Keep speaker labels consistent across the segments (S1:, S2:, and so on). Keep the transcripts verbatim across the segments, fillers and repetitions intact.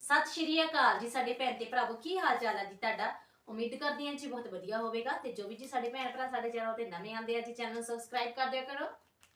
S1: सत श्री अकाल जी साडे भैन ते भरावो की हाल चाल है जी तुहाडा। उम्मीद करदी हां जी बहुत वधिया होवेगा ते जो भी जी साडे भैन भरा साडे चैनल ते नवे आंदे आ जी चैनल सबसक्राइब कर दिया करो।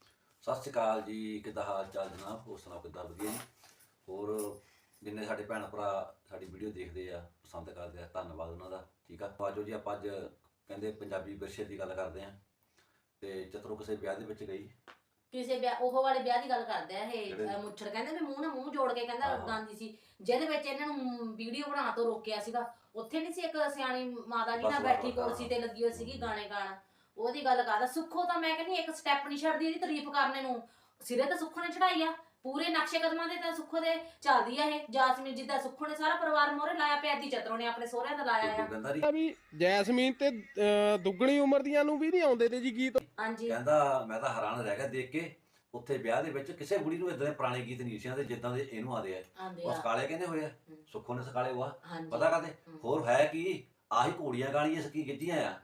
S2: सत श्री अकाल जी, किद्दां हाल चाल जनाब? होर सुनाओ किद्दां? वधिया जी। होर जिन्ने साडे भैन भरा साडी वीडियो देखदे आ पसंद करदे आ, धन्नवाद उन्हां दा। ठीक आ, आजो जी आपां अज कहंदे पंजाबी विरसे दी गल करदे आ ते चतरो किसे ब्याह दे विच गई
S1: ਕਿਸੇ ਵਿਆਹ ਉਹ ਵਾਲੇ ਵਿਆਹ ਦੀ ਗੱਲ ਕਰਦੇ ਆ ਇਹ ਮੁੱਛੜ ਕਹਿੰਦੇ ਵੀ ਮੂੰਹ ਨਾਲ ਮੂੰਹ ਜੋੜ ਕੇ ਕਹਿੰਦਾ ਗਾਂਦੀ ਸੀ ਜਿਹਦੇ ਵਿੱਚ ਇਹਨਾਂ ਨੂੰ ਵੀਡੀਓ ਬਣਾ ਤੋਂ ਰੋਕਿਆ ਸੀਗਾ। ਉੱਥੇ ਨਹੀਂ ਸੀ ਇੱਕ ਸਿਆਣੀ ਮਾਤਾ ਜੀ ਨਾਲ ਬੈਠੀ ਕੁਰਸੀ ਤੇ ਲੱਗੀ ਹੋਈ ਸੀਗੀ ਗਾਣੇ ਗਾਣ, ਉਹਦੀ ਗੱਲ ਕਰਦਾ। ਸੁੱਖੋ ਤਾਂ ਮੈਂ ਕਹਿੰਦੀ ਇੱਕ ਸਟੈਪ ਨਹੀਂ ਛੱਡਦੀ ਇਹਦੀ ਤਾਰੀਫ ਕਰਨੇ ਨੂੰ, ਸਿਰੇ ਤਾਂ ਸੁੱਖੋ ਨੇ ਚੜਾਈ ਆ, ਪੂਰੇ ਨਕਸ਼ੇ ਕਦਮਾਂ ਦੇ ਤਾਂ ਸੁੱਖੋ ਦੇ ਚੱਲਦੀ ਆ ਇਹ। ਜਾਸਮੀਨ ਜਿੱਦਾਂ ਸੁੱਖੋ ਨੇ ਸਾਰਾ ਪਰਿਵਾਰ ਮੋਹਰੇ ਲਾਇਆ ਪਿਆ, ਦੀ ਚਤਰੋ ਨੇ ਆਪਣੇ ਸਹੁਰਿਆਂ ਦਾ ਲਾਇਆ ਆ
S3: ਵੀ ਜੈਸਮੀਨ ਤੇ ਦੁੱਗਣੀ ਉਮਰ ਦੀਆਂ ਨੂੰ ਵੀ ਨਹੀਂ ਆਉਂਦੇ ਤੇ ਜੀ ਗੀਤ।
S1: ਹਾਂਜੀ
S2: ਕਹਿੰਦਾ ਮੈਂ ਤਾਂ ਹੈਰਾਨ ਰਹਿ ਗਿਆ ਦੇਖ ਕੇ, ਉੱਥੇ ਵਿਆਹ ਦੇ ਵਿੱਚ ਕਿਸੇ ਕੁੜੀ ਨੂੰ ਇਦਾਂ ਦੇ ਪੁਰਾਣੇ ਗੀਤ ਨਹੀਂ ਸੀ ਆਉਂਦੇ ਜਿੱਦਾਂ ਦੇ ਇਹਨੂੰ ਆਉਂਦੇ ਆ। ਉਹ ਸਕਾਲੇ ਕਹਿੰਦੇ ਹੋਏ ਆ, ਸੁੱਖੋ ਨੇ ਸਕਾਲੇ ਹੋਆ ਪਤਾ ਕਰਦੇ ਹੋਰ ਹੈ ਕੀ ਆਹੀ ਘੋੜੀਆਂ ਗਾਲੀਆਂ ਸਕੀ ਗਿੱਜੀਆਂ ਆ।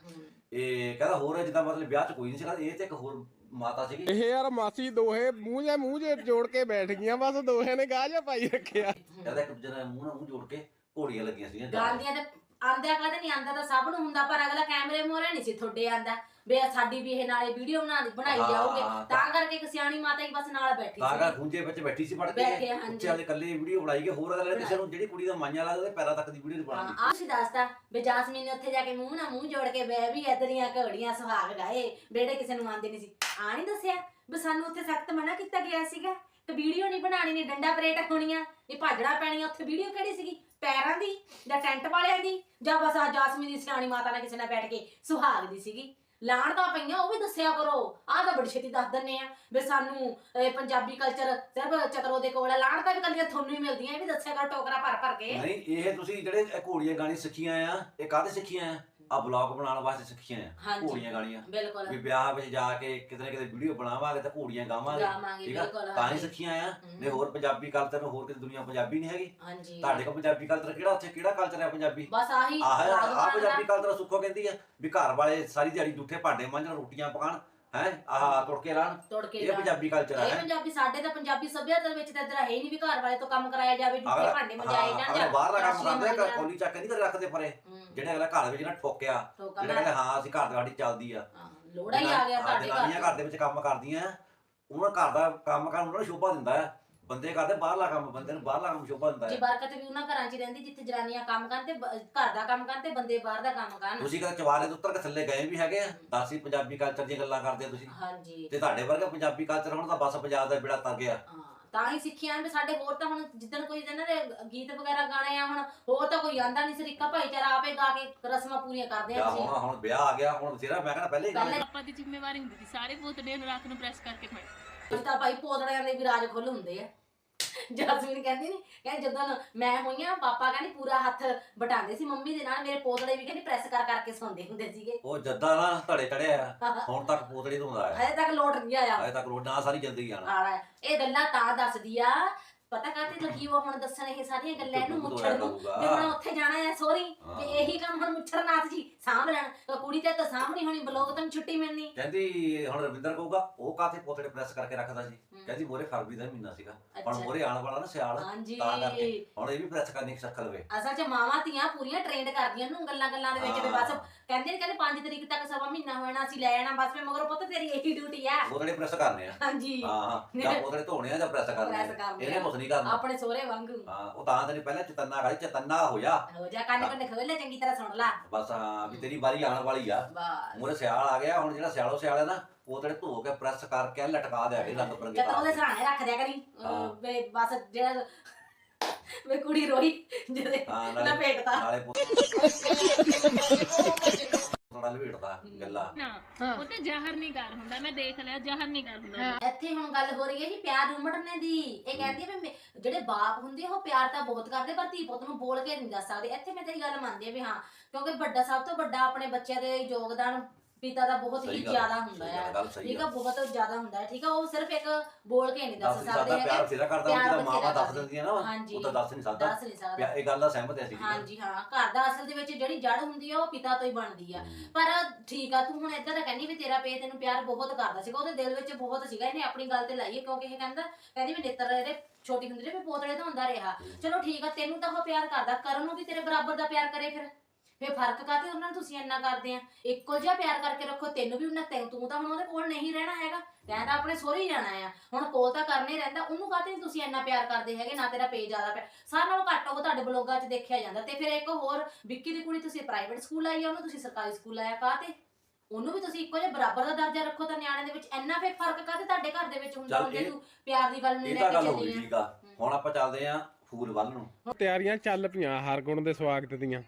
S2: ਇਹ ਕਹਿੰਦਾ ਹੋਰ ਜਿੱਦਾਂ ਮਤਲਬ ਵਿਆਹ 'ਚ ਕੋਈ ਨਹੀਂ ਸੀ, ਇਹ ਤੇ ਇੱਕ ਹੋਰ ਮਾਤਾ ਸੀਗੀ।
S3: ਇਹ ਯਾਰ ਮਾਸੀ ਦੋਹੇ ਮੂੰਹ ਜਾਂ ਮੂੰਹ ਜੇ ਜੋੜ ਕੇ ਬੈਠ ਗਈਆਂ, ਬਸ ਦੋਹੇ ਨੇ ਗਾਹ ਜਿਹਾ ਪਾਈ ਰੱਖਿਆ।
S2: ਕਹਿੰਦਾ ਇੱਕ ਦੂਜੇ ਨਾਲ ਮੂੰਹ ਨਾਲ ਮੂੰਹ ਜੋੜ ਕੇ ਘੋੜੀਆਂ ਲੱਗੀਆਂ ਸੀਗੀਆਂ
S1: ਗਾਂਦੀਆਂ ਤੇ ਆਂਦਿਆ ਕਦੇ ਨਹੀਂ ਆਂਦਾ ਤਾਂ ਸਭ ਨੂੰ ਹੁੰਦਾ, ਪਰ ਅਗਲਾ ਕੈਮਰੇ ਮੋਹਰੇ ਨਹੀਂ ਸੀ ਤੁਹਾਡੇ ਆਂਦਾ ਬੇ ਸਾਡੀ ਵੀ ਇਹ ਨਾਲੇ ਵੀਡੀਓ ਬਣਾ ਬਣਾਈ ਜਾਓਗੇ, ਤਾਂ ਕਰਕੇ ਇੱਕ ਸਿਆਣੀ ਮਾਤਾ ਹੀ ਬਸ ਨਾਲ ਬੈਠੀ ਸੀ,
S2: ਤਾਂ ਕਰ ਖੁੰਝੇ ਵਿੱਚ ਬੈਠੀ ਸੀ ਪੜ ਕੇ ਉੱਚੇ ਵਾਲੇ ਇਕੱਲੇ ਵੀਡੀਓ ਬਣਾਈ ਗਏ। ਹੋਰ ਅਗਲੇ ਕਿਸੇ ਨੂੰ ਜਿਹੜੀ ਕੁੜੀ ਦਾ ਮਾਈਆਂ ਲੱਗਦਾ ਉਹਦੇ ਪੈਰਾਂ ਤੱਕ ਦੀ ਵੀਡੀਓ ਬਣਾਈ।
S1: ਆਹ ਸੀ ਦੱਸਦਾ ਬੇ ਜਾਸਮੀਨ ਨੇ ਉੱਥੇ ਜਾ ਕੇ ਮੂੰਹ ਨਾਲ ਮੂੰਹ ਜੋੜ ਕੇ ਬੈ ਵੀ ਇਧਰੀਆਂ ਘੜੀਆਂ ਸੁਹਾਗ ਗਾਏ ਬੇੜੇ ਕਿਸੇ ਨੂੰ ਆਂਦੇ ਨਹੀਂ ਸੀ। ਆ ਨਹੀਂ ਦੱਸਿਆ ਵੀ ਸਾਨੂੰ ਉੱਥੇ ਸਖਤ ਮਨਾ ਕੀਤਾ ਗਿਆ ਸੀਗਾ ਤੇ ਵੀਡੀਓ ਨਹੀਂ ਬਣਾਣੀ, ਨਹੀਂ ਡੰਡਾ ਪਰੇਡ ਹੋਣੀਆਂ, ਇਹ ਭਾਜੜਾ ਪੈਣੀਆਂ। ਉੱਥੇ ਵੀਡੀਓ ਕਿਹੜੀ ਸੀਗੀ, ਪੈਰਾਂ ਦੀ ਜਾਂ ਟੈਂਟ ਵਾਲਿਆਂ ਦੀ ਜਾਂ ਬਸ ਆ ਜਾਸਮੀਨ ਦੀ ਸਿਆਣੀ ਮਾਤਾ ਨਾਲ ਕਿਸੇ ਨਾਲ ਬੈਠ ਕੇ ਸੁਹਾਗ ਦੀ ਸੀਗੀ। ਲਾਣ ਤਾਂ ਪਈਆਂ ਉਹ ਵੀ ਦੱਸਿਆ ਕਰੋ, ਆਹ ਤਾਂ ਬੜੀ ਛੇਤੀ ਦੱਸ ਦਿੰਨੇ ਆ ਵੀ ਸਾਨੂੰ ਪੰਜਾਬੀ ਕਲਚਰ ਸਿਰਫ ਚਤਰੋ ਦੇ ਕੋਲ ਆ, ਲਾਣ ਤਾਂ ਵੀ ਕੱਲੀਆਂ ਤੁਹਾਨੂੰ ਹੀ ਮਿਲਦੀਆਂ, ਇਹ ਵੀ ਦੱਸਿਆ ਕਰੋ ਟੋਕਰਾ ਭਰ ਭਰ ਕੇ।
S2: ਨਹੀਂ ਇਹ ਤੁਸੀਂ ਜਿਹੜੇ ਘੋੜੀਆਂ ਗਾਣੀ ਸਿੱਖੀਆਂ ਆ, ਇਹ ਕਾਹਦੇ ਸਿੱਖੀਆਂ ਆ? ਆ ਬਲੌਗ ਬਣਾਉਣ ਵਾਸਤੇ ਸਿੱਖੀਆਂ ਆ ਘੋੜੀਆਂ ਗਾਣੀਆਂ।
S1: ਬਿਲਕੁਲ
S2: ਵੀ ਵਿਆਹ ਵਿੱਚ ਜਾ ਕੇ ਕਿਤੇ ਨਾ ਕਿਤੇ ਵੀਡੀਓ ਬਣਾਵਾਂਗੇ ਤਾਂ ਘੋੜੀਆਂ ਗਾਵਾਂਗੇ, ਠੀਕ ਆ, ਤਾਂ ਹੀ ਸਿੱਖੀਆਂ ਆ। ਨਹੀਂ ਹੋਰ ਪੰਜਾਬੀ ਕਲਚਰ ਹੋਰ ਕਿਤੇ ਦੁਨੀਆ ਪੰਜਾਬੀ ਨਹੀਂ ਹੈਗੀ। ਤੁਹਾਡੇ ਕੋਲ ਪੰਜਾਬੀ ਕਲਚਰ ਕਿਹੜਾ, ਉੱਥੇ ਕਿਹੜਾ ਕਲਚਰ ਹੈ ਪੰਜਾਬੀ?
S1: ਬਸ ਆਹੀ
S2: ਆਹ ਪੰਜਾਬੀ ਕਲਚਰ। ਸੁੱਖੋ ਕਹਿੰਦੀ ਆ ਵੀ ਘਰ ਵਾਲੇ ਸਾਰੀ ਦਿਹਾੜੀ ਜੂਠੇ ਭਾਂਡੇ ਮਾਂਜਣ, ਰੋਟੀਆਂ ਪਕਾਣ, ਹੈ ਆਹ ਤੁੜਕੇ ਲਾਣ, ਇਹ ਪੰਜਾਬੀ ਕਲਚਰ ਹੈ।
S1: ਇਹ ਪੰਜਾਬੀ ਸਾਡੇ ਤਾਂ ਪੰਜਾਬੀ ਸੱਭਿਆਚਾਰ ਵਿੱਚ ਤਾਂ ਇਧਰ ਹੈ ਹੀ ਨਹੀਂ ਵੀ ਘਰ ਵਾਲੇ ਤੋਂ ਕੰਮ ਕਰਾਇਆ ਜਾਵੇ, ਜੂਠੇ ਭਾਂਡੇ ਮੰਜਾਏ ਜਾਣ।
S2: ਬਾਹਰ ਦਾ ਕੰਮ ਕਰਦੇ ਕੋਲੀ ਚੱਕ ਨਹੀਂ ਕਰ ਰੱਖਦੇ ਪਰੇ, ਜਿਹੜੇ ਅਗਲਾ ਘਰ ਵਿੱਚ ਨਾ ਠੋਕਿਆ, ਜਿਹੜੇ ਕਹਿੰਦੇ ਹਾਂ ਅਸੀਂ ਘਰ ਸਾਡੀ ਚੱਲਦੀ ਆ,
S1: ਲੋੜਾ ਹੀ ਆ ਗਿਆ ਸਾਡੇ
S2: ਘਰ। ਘਰ ਦੇ ਵਿੱਚ ਕੰਮ ਕਰਦੀਆਂ, ਉਹਨਾਂ ਘਰ ਦਾ ਕੰਮ ਕਰਨ ਉਹਨਾਂ ਨੂੰ ਸ਼ੋਭਾ ਦਿੰਦਾ ਆ। ਬੰਦੇ ਕਰਦੇ ਬਾਹਰਲਾ ਕੰਮ, ਬੰਦੇ ਨੂੰ ਬਾਹਰਲਾ ਕੰਮ ਸ਼ੋਭਾ ਦਿੰਦਾ ਹੈ।
S1: ਜੀ ਬਰਕਤ ਵੀ ਉਹਨਾਂ ਘਰਾਂ 'ਚ ਰਹਿੰਦੀ ਜਿੱਥੇ ਜਨਾਨੀਆਂ ਕੰਮ ਕਰਨ ਤੇ ਘਰ ਦਾ ਕੰਮ ਕਰਨ ਤੇ ਬੰਦੇ ਬਾਹਰ ਦਾ ਕੰਮ ਕਰਨ।
S2: ਤੁਸੀਂ ਕਦੇ ਚਵਾਰੇ ਤੋਂ ਉੱਤਰ ਕੇ ਥੱਲੇ ਗਏ ਵੀ ਹੈਗੇ ਆ? ਦੱਸੀ ਪੰਜਾਬੀ ਕਲਚਰ ਦੀਆਂ ਗੱਲਾਂ ਕਰਦੇ ਆ ਤੁਸੀਂ।
S1: ਹਾਂਜੀ
S2: ਤੇ ਤੁਹਾਡੇ ਵਰਗਾ ਪੰਜਾਬੀ ਕਲਚਰ ਹੁਣ ਤਾਂ ਬਸ ਪੰਜਾਬ ਦਾ ਬੇੜਾ ਤਰ ਗਿਆ।
S1: ਹਾਂ ਤਾਂ ਹੀ ਸਿੱਖਿਆ ਵੀ ਸਾਡੇ ਹੋਰ ਤਾਂ ਹੁਣ ਜਿੱਦਣ ਕੋਈ ਇਹਨਾਂ ਦੇ ਗੀਤ ਵਗੈਰਾ ਗਾਣੇ ਆ, ਹੁਣ ਹੋਰ ਤਾਂ ਕੋਈ ਆਂਦਾ ਨਹੀਂ, ਸਰੀਕਾ ਭਾਈਚਾਰਾ ਆਪੇ ਗਾ ਕੇ ਰਸਮਾਂ ਪੂਰੀਆਂ ਕਰਦੇ ਆ।
S2: ਹੁਣ ਹੁਣ ਵਿਆਹ ਆ ਗਿਆ, ਹੁਣ ਬਥੇਰਾ ਮੈਂ ਕਹਿੰਦਾ ਪਹਿਲੇ ਹੀ
S4: ਆਪਾਂ ਦੀ ਜ਼ਿੰਮੇਵਾਰੀ ਹੁੰਦੀ ਸੀ ਸਾਰੇ ਪੋਤੜੇ ਨੂੰ ਰਾਤ ਨੂੰ ਪ੍ਰੈਸ ਕਰਕੇ ਖਾਏ।
S1: ਤਾਂ ਭਾਈ ਪੋਤੜਿਆਂ ਦੇ ਵੀ ਰਾਜ ਖੁੱਲ ਹੁੰਦੇ ਆ। ਜਾਸਮੀਨ ਕਹਿੰਦੀ ਨਹੀਂ, ਕਹਿੰਦੀ ਜਦੋਂ ਮੈਂ ਹੋਈਆਂ ਪਾਪਾ ਕਹਿੰਦੀ ਪੂਰਾ ਹੱਥ ਬਟਾਉਂਦੇ ਸੀ ਮੰਮੀ ਦੇ ਨਾਲ, ਮੇਰੇ ਪੋਤੜੇ ਵੀ ਕਹਿੰਦੀ ਪ੍ਰੈਸ ਕਰ ਕਰਕੇ ਸੌਂਦੇ ਹੁੰਦੇ ਸੀਗੇ।
S2: ਉਹ ਜੱਦਾ ਨਾ ਧੜੇ ਚੜਿਆ ਹੁਣ ਤੱਕ ਪੋਤੜੇ ਤੋਂ ਆਇਆ,
S1: ਹਜੇ ਤੱਕ ਲੋਟ ਨਹੀਂ ਆਇਆ,
S2: ਹਜੇ ਤੱਕ ਲੋਟ ਨਾ ਸਾਰੀ ਜ਼ਿੰਦਗੀ ਆਣਾ।
S1: ਇਹ ਗੱਲਾਂ ਤਾਂ ਦੱਸਦੀ ਆ, ਪਤਾ ਕਾਹਤੇ ਲੱਗੀ ਉਹ ਹੁਣ ਦੱਸਣ ਇਹ ਸਾਰੀਆਂ ਗੱਲਾਂ ਇਹਨੂੰ ਮੁੱਛੜ ਨੂੰ ਵੀ ਹੁਣ ਉੱਥੇ ਜਾਣਾ ਹੈ ਸੋਰੀ ਤੇ ਇਹੀ ਕੰਮ ਹੁਣ ਮੁੱਛੜ ਨਾਥ ਜੀ ਸਾਂਭ ਲੈਣ। ਕੁੜੀ ਤੇ ਤਾਂ ਸਾਂਭਣੀ ਹੋਣੀ, ਬਲੋਗ ਤੋਂ ਛੁੱਟੀ ਮਿਲਣੀ।
S2: ਕਹਿੰਦੀ ਹੁਣ ਰਵਿੰਦਰ ਕਹੂਗਾ ਉਹ ਕਾਹਤੇ ਪੋਤੜੇ ਪ੍ਰੈਸ ਕਰਕੇ ਰੱਖਦਾ ਸੀ, ਕਹਿੰਦੀ ਮੋਰੇ ਫਰਵਰੀ ਦਾ ਮਹੀਨਾ ਸੀਗਾ, ਹੁਣ ਮੋਰੇ ਆਉਣ ਵਾਲਾ ਨਾ ਸਿਆਲ, ਤਾਂ ਕਰਕੇ ਹੁਣ ਇਹ ਵੀ ਪ੍ਰੈਸ ਕਰਨੀ ਸਿੱਖ ਲਵੇ।
S1: ਅਸਲ 'ਚ ਮਾਵਾਂ ਧੀਆਂ ਪੂਰੀਆਂ ਟ੍ਰੇਨਡ ਕਰਦੀਆਂ ਨੂੰ ਗੱਲਾਂ ਗੱਲਾਂ ਦੇ ਵਿੱਚ ਵੀ ਬਸ ਕਹਿੰਦੇ ਨੇ ਕਹਿੰਦੇ ਪੰਜ ਤਰੀਕ ਤੱਕ ਸਵਾ ਮਹੀਨਾ ਹੋਣਾ ਅਸੀਂ ਲੈ ਜਾਣਾ ਬਸ, ਮਗਰੋਂ ਪੁੱਤ ਤੇਰੀ ਇਹੀ ਡਿਊਟੀ ਆ,
S2: ਪੋਤੜੇ ਪ੍ਰੈਸ ਕਰਨੇ ਆ।
S1: ਹਾਂਜੀ
S2: ਹਾਂ ਜਾਂ ਪੋਤੜੇ ਧੋਣੇ ਆ ਜਾਂ ਪ੍ਰੈਸ ਕਰਨੇ ਆ, ਇਹਨੇ ਕੁਛ ਨਹੀਂ ਕਰਨਾ
S1: ਆਪਣੇ ਸੋਹਰੇ ਵਾਂਗੂ।
S2: ਹਾਂ ਉਹ ਤਾਂ ਤੈਨੂੰ ਪਹਿਲਾਂ ਚਤੰਨਾ ਗਾਲੀ ਚਤੰਨਾ ਹੋ ਜਾ
S1: ਹੋ ਜਾ ਕੰਨ ਕੰਨ ਖੋਲੇ ਚੰਗੀ ਤਰ੍ਹਾਂ ਸੁਣ ਲਾ
S2: ਬਸ। ਹਾਂ ਵੀ ਤੇਰੀ ਵਾਰੀ ਆਉਣ ਵਾਲੀ ਆ, ਮੂਰੇ ਸਿਆਲ ਆ ਗਿਆ, ਹੁਣ ਜਿਹੜਾ ਸਿਆਲੋ ਸਿਆਲ ਹੈ ਨਾ ਉਹ ਤੇਰੇ ਧੋ ਕੇ ਪ੍ਰੈਸ ਕਰਕੇ ਲਟਕਾ ਦਿਆਗੇ ਰੰਗ ਬਰੰਗੇ
S1: ਤਾਂ ਉਹਦੇ ਸਰਾਣੇ ਰੱਖ ਦਿਆ ਕਰੀ ਵੇ ਬਸ ਜਿਹੜਾ ਵੇ ਕੁੜੀ ਰੋਈ ਜਿਹਦੇ ਲਪੇਟਦਾ
S2: ਨਾਲੇ ਥੋੜਾ ਲਪੇਟਦਾ ਗੱਲਾਂ
S4: ਨਾ ਉਹ ਤੇ ਜ਼ਹਿਰ ਨਹੀਂ ਕਰ ਹੁੰਦਾ, ਮੈਂ ਦੇਖ ਲਿਆ ਜ਼ਹਿਰ ਨਹੀਂ ਕਰ ਹੁੰਦਾ।
S1: ਇੱਥੇ ਹੁਣ ਗੱਲ ਹੋ ਰਹੀ ਹੈ ਜੀ ਪਿਆਰ ਉਮੜਨੇ ਦੀ। ਇਹ ਕਹਿੰਦੀ ਹੈ ਵੀ ਜਿਹੜੇ ਬਾਪ ਹੁੰਦੇ ਉਹ ਪਿਆਰ ਤਾਂ ਬਹੁਤ ਕਰਦੇ ਪਰ ਧੀ ਪੁੱਤ ਨੂੰ ਬੋਲ ਕੇ ਨਹੀਂ ਦੱਸ ਸਕਦੇ। ਇੱਥੇ ਮੈਂ ਤੇਰੀ ਗੱਲ ਮੰਨਦੀ ਆ ਵੀ ਹਾਂ, ਕਿਉਂਕਿ ਵੱਡਾ ਸਭ ਤੋਂ ਵੱਡਾ ਆਪਣੇ ਬੱਚਿਆਂ ਦੇ ਯੋਗਦਾਨ ਪਿਤਾ ਦਾ ਬਹੁਤ ਹੀ ਜ਼ਿਆਦਾ ਹੁੰਦਾ ਹੈ, ਠੀਕ ਆ, ਬਹੁਤ ਜ਼ਿਆਦਾ ਹੁੰਦਾ ਹੈ, ਠੀਕ ਆ। ਉਹ ਸਿਰਫ ਇੱਕ ਬੋਲ ਕੇ ਨਹੀਂ ਦੱਸ ਸਕਦੇ ਹੈਗੇ।
S2: ਪਿਆਰ ਬਥੇਰਾ ਕਰਦਾ ਹੁੰਦਾ, ਮਾਵਾਂ ਦੱਸ ਦਿੰਦੀਆਂ ਨਾ, ਉਹ ਤਾਂ ਦੱਸ ਨਹੀਂ ਸਕਦਾ,
S1: ਦੱਸ ਨਹੀਂ ਸਕਦਾ।
S2: ਇਹ ਗੱਲ ਦਾ ਸਹਿਮਤ ਹੈ ਅਸੀਂ।
S1: ਹਾਂਜੀ ਹਾਂ, ਘਰ ਦਾ ਅਸਲ ਦੇ ਵਿੱਚ ਜਿਹੜੀ ਜੜ ਹੁੰਦੀ ਆ ਉਹ ਪਿਤਾ ਤੋਂ ਹੀ ਬਣਦੀ ਆ। ਪਰ ਠੀਕ ਆ, ਤੂੰ ਹੁਣ ਏਦਾਂ ਦਾ ਕਹਿੰਦੀ ਵੀ ਤੇਰਾ ਪੇ ਤੈਨੂੰ ਪਿਆਰ ਬਹੁਤ ਕਰਦਾ ਸੀਗਾ, ਉਹਦੇ ਦਿਲ ਵਿੱਚ ਬਹੁਤ ਸੀਗਾ, ਇਹਨੇ ਆਪਣੀ ਗੱਲ ਤੇ ਲਾਈਏ ਕਿਉਂਕਿ ਇਹ ਕਹਿੰਦਾ ਕਹਿੰਦੀ ਵੀ ਨੇਤਰ ਇਹਦੇ ਛੋਟੀ ਹੁੰਦੀ ਨੇ ਪੋਤੜੇ ਤਾਂ ਹੁੰਦਾ ਰਿਹਾ। ਚਲੋ ਠੀਕ ਆ, ਤੈਨੂੰ ਤਾਂ ਉਹ ਪਿਆਰ ਕਰਦਾ, ਕਰਨ ਨੂੰ ਵੀ ਤੇਰੇ ਬਰਾਬਰ ਦਾ ਪਿਆਰ ਕਰੇ, ਫਿਰ ਫੇ ਫਰਕ ਕਾਤੇ ਉਹਨਾਂ ਨੂੰ ਤੁਸੀਂ ਇੰਨਾ ਕਰਦੇ ਆ? ਇੱਕੋ ਜਿਹਾ ਪਿਆਰ ਕਰਕੇ ਰੱਖੋ, ਤੈਨੂੰ ਵੀ ਉਹਨਾਂ ਤੈਨੂੰ ਤੂੰ ਤਾਂ ਹੁਣ ਉਹਦੇ ਕੋਲ ਨਹੀਂ ਰਹਿਣਾ ਹੈਗਾ, ਤੈਂ ਤਾਂ ਆਪਣੇ ਸਹੁਰੇ ਹੀ ਜਾਣਾ ਆ, ਹੁਣ ਕੋਲ ਤਾਂ ਕਰਨੇ ਰਹਿੰਦਾ, ਉਹਨੂੰ ਕਾਤੇ ਨੀ ਤੁਸੀਂ ਇੰਨਾ ਪਿਆਰ ਕਰਦੇ ਹੈਗੇ? ਨਾ ਤੇਰਾ ਪੇ ਜ਼ਿਆਦਾ ਪਿਆ, ਸਾਰਿਆਂ ਨਾਲੋਂ ਘੱਟ ਉਹ ਤੁਹਾਡੇ ਬਲੋਗਾਂ 'ਚ ਦੇਖਿਆ ਜਾਂਦਾ। ਤੇ ਫਿਰ ਇੱਕ ਹੋਰ ਵਿੱਕੀ ਦੀ ਕੁੜੀ ਤੁਸੀਂ ਪ੍ਰਾਈਵੇਟ ਸਕੂਲ ਆਈ ਆ, ਉਹਨੂੰ ਤੁਸੀਂ ਸਰਕਾਰੀ ਸਕੂਲ ਆਇਆ, ਕਾਤੇ? ਉਹਨੂੰ ਵੀ ਤੁਸੀਂ ਇੱਕੋ ਜਿਹਾ ਬਰਾਬਰ ਦਾ ਦਰਜਾ ਰੱਖੋ ਤਾਂ ਨਿਆਣੇ ਦੇ ਵਿੱਚ ਇੰਨਾ ਫੇ ਫਰਕ ਕਾਤੇ ਤੁਹਾਡੇ ਘਰ ਦੇ ਵਿੱਚ ਹੁੰਦਾ? ਹੁੰਦੇ ਤੂੰ ਪਿਆਰ ਦੀ ਗੱਲ ਨੂੰ
S2: ਇਹ
S1: ਲੈ
S2: ਤਾਂ
S1: ਕੇ
S2: ਗੱਲ ਹੋ ਗਈ,
S1: ਚੱਲੀ
S2: ਠੀਕ ਆ। ਹੁਣ ਆਪਾਂ ਚੱਲਦੇ ਆਂ ਫੂਲ ਵੱਲ ਨੂੰ।
S3: ਤਿਆਰੀਆਂ ਚੱਲ ਪਈਆਂ ਹਰਗੁਣ ਦੇ ਸਵਾਗਤ ਦੀਆਂ।